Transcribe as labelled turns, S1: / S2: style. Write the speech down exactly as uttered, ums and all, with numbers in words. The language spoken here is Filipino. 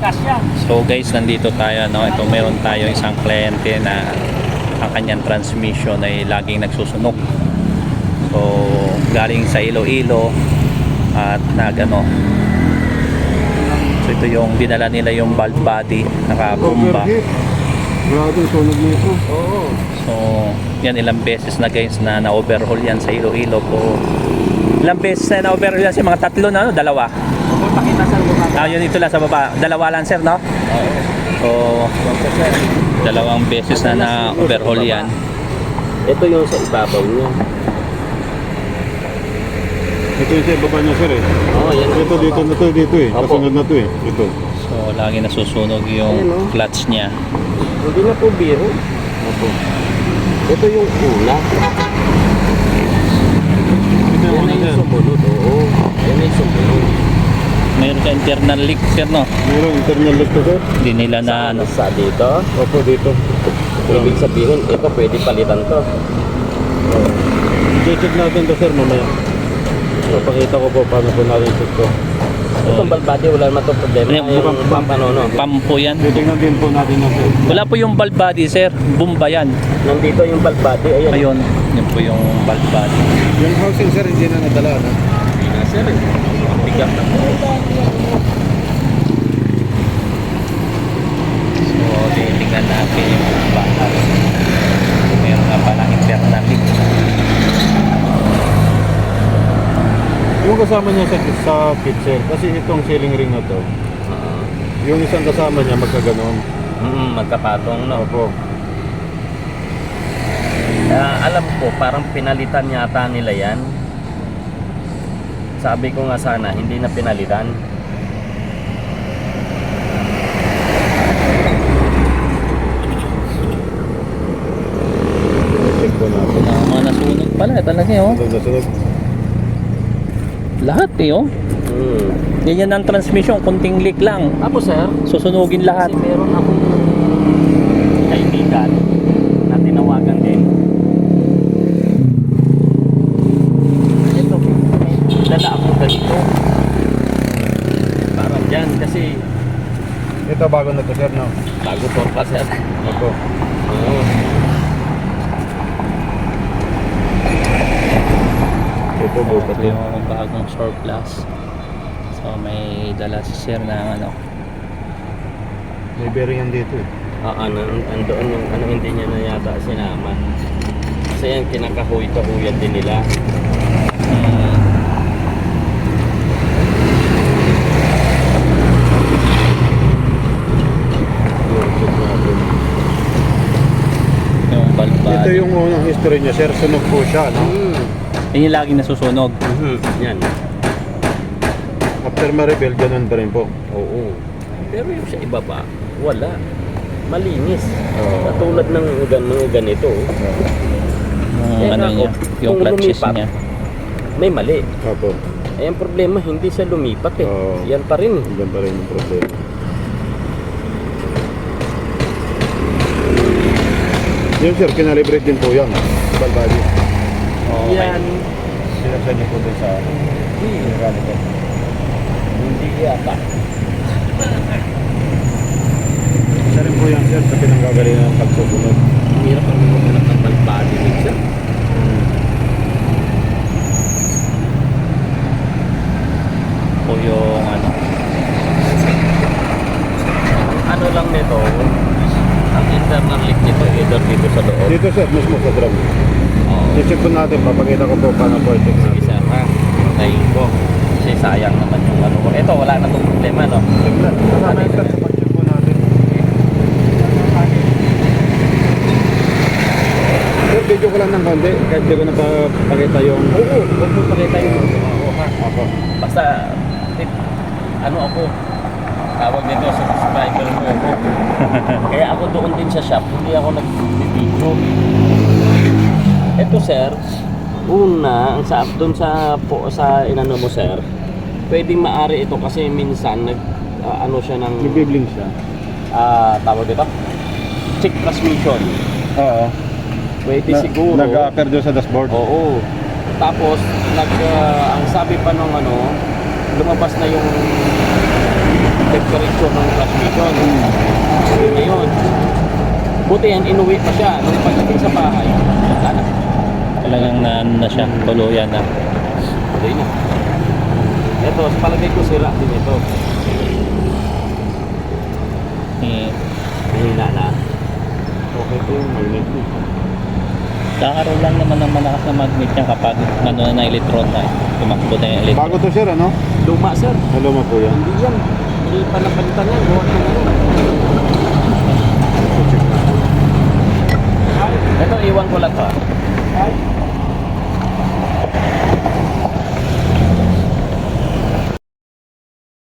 S1: So guys, nandito tayo, no? Ito meron tayo isang kliyente na ang kanyang transmission ay laging nagsusunog. So galing sa Iloilo at nagano. So ito yung dinala nila yung valve body, nakabomba.
S2: Grabe, sunog nito. Oo.
S1: So yan ilang beses na guys na na-overhaul yan sa Iloilo po. Ilang beses na na-overhaul yan sa mga tatlo na, no? Dalawa.
S3: Pakita sa lugar.
S1: Ah, yun ito lang sa baba. Dalawa lang sir, no?
S3: Oo.
S1: So, dalawang beses na na-overhaul yan.
S3: Ito yung sa ibabaw niya.
S2: Ito yung sa baba niya, sir, eh.
S3: Oo, yan.
S2: Ito, dito na to, dito eh.
S3: Opo.
S2: Kasunod na to eh. Ito.
S1: So, lagi nasusunog yung
S3: Ayun, oh.
S1: clutch niya.
S3: Hindi na po biro.
S2: Opo.
S3: Ito yung una.
S2: Ito
S3: Yan
S2: yung
S3: na
S2: una, sir.
S3: yung sumunod. Oo. Yan na yung sumunod.
S1: Mayroon ka internal leak sir, no?
S2: Meron internal lock to, sir.
S1: Hindi nila na ano.
S3: Sa dito.
S2: Opo, dito.
S3: Ibig sabihin, ito pwede palitan to.
S2: I-check natin to, sir, mamaya. Papakita ko po paano po natin check to.
S3: Itong balbati, wala naman itong problema.
S1: Ano,
S3: Yung
S2: bump-
S3: pampano, no?
S1: Pampo yan.
S2: Titignan din po natin yung sir.
S1: Wala po yung valve body sir. Bomba yan.
S3: Nandito yung balbati. Ayan.
S1: Ayun. Yun po yung valve body.
S2: Yung housing, sir, hindi na nadala, no?
S3: Hindi na, sir. Ang bigat na po.
S1: So, titingnan natin yung bakal. Meron nga palang internal leak.
S2: Yung kasama niya sa, sa kit, sir, kasi itong ceiling ring na to,
S3: Uh,
S2: yung isang kasama niya magkaganon.
S3: mm, magkapatong, no?
S2: Opo.
S3: Ah, alam ko, parang pinalitan yata nila yan. Sabi ko nga sana, hindi na pinalitan.
S2: Check po natin.
S1: Na, mga nasunog pala. Talaga eh, oh.
S2: Ito, nasunod.
S1: Lahat eh, oh.
S3: Hmm.
S1: Ganyan ang transmission. Kunting leak lang.
S3: Ako, sir,
S1: Susunugin lahat.
S3: kasi meron akong kaibigan na tinawagan din. Ito, may dala ako ganito. Parang dyan, kasi
S2: Ito, bago na to, sir, no?
S3: bago to pa, sir.
S2: Opo.
S3: Oo.
S2: Ito, bukas
S1: Ito
S2: yun.
S1: yung bagong surplus. So may dala si sir na ano.
S2: May bearing yan dito, eh.
S3: Ah, ano, andoon yung ano hindi niya na yata sinama. Kasi yan kinakahuy-kahuyan din nila.
S1: Hmm,
S2: Yung check natin.
S1: yung valve body.
S2: Ito yung unang history niya, sir. Sunog po siya, no?
S3: Hmm.
S1: Yun yung laging nasusunog.
S3: Mhm. Yan.
S2: After ma-rebel, ganun pa rin po.
S3: Oo. Pero yung sa iba pa, wala. Malinis.
S2: Oo.
S3: Katulad ng gan mga ganito.
S1: Yung
S3: Eh,
S1: ano
S3: ako,
S1: niya, yung
S3: kung
S1: clutches
S3: lumipat,
S1: niya.
S3: May mali.
S2: Opo.
S3: Eh, ang problema, hindi siya lumipat eh.
S2: Oo.
S3: Yan pa rin.
S2: Ganun pa rin yung problema. Yun, sir, kinalibrate din po yan. Balbadi.
S1: Okay.
S3: Yan.
S2: Sinasya niyo po din sa mechanical.
S3: Hindi yata.
S2: Isa rin po yan, sir, sa pinanggagalingan ng pagsusunod.
S3: Hirap ang magalap ng balbadi minsan.
S1: Po yung ano.
S3: Ano lang nito, ang internal leak nito, either dito sa loob.
S2: Dito, sir, mismo sa drum.
S3: Oo.
S2: I-check po natin, papakita ko po paano po i-check
S3: Sige,
S2: natin.
S3: sir, ha? Tayin ko. Kasi sayang naman yung ano ko. Ito, wala na itong problema, no?
S2: Kasama yun, sir, pa-check po natin. Sir, video ko lang ng konti, kahit di ko napapakita yung...
S3: Oo, huwag mo pakita yung oo, ha?
S2: Ako.
S3: Basta, tip, ano ako, tawag nito, subscriber mo ako. Kaya ako doon din sa shop, hindi ako nag-video. Ito, sir, una, ang sa doon sa po sa inano mo, sir, pwedeng maari ito kasi minsan nag ah, ano siya ng
S2: Nag-bibling siya.
S3: ah tawag dito, check transmission.
S2: Oo.
S3: Pwede
S2: Na-
S3: siguro.
S2: Nag-a-appear doon sa dashboard.
S3: Oo. Tapos nag ah, ang sabi pa nung ano, lumabas na yung temperature ng transmission. Yun na yun. Buti yan, inuwi pa siya. Nung pagdating sa bahay, wala na.
S1: Talagang na, ano na siya, tuluyan na.
S3: Tuloy na. Ito, sa palagay ko sira din ito.
S1: Eh,
S3: Mahina na.
S2: Okay po yung magnet niya.
S1: kakaroon lang naman ng malakas na magnet niya kapag ano na na electron na. Tumakbo na yung electron.
S2: Bago to sir, ano?
S3: Luma, sir.
S2: Hello mo po yan.
S3: Hindi yan. Hindi pa napalitan yan. Buwan na ano. Ito, iwan ko lang to.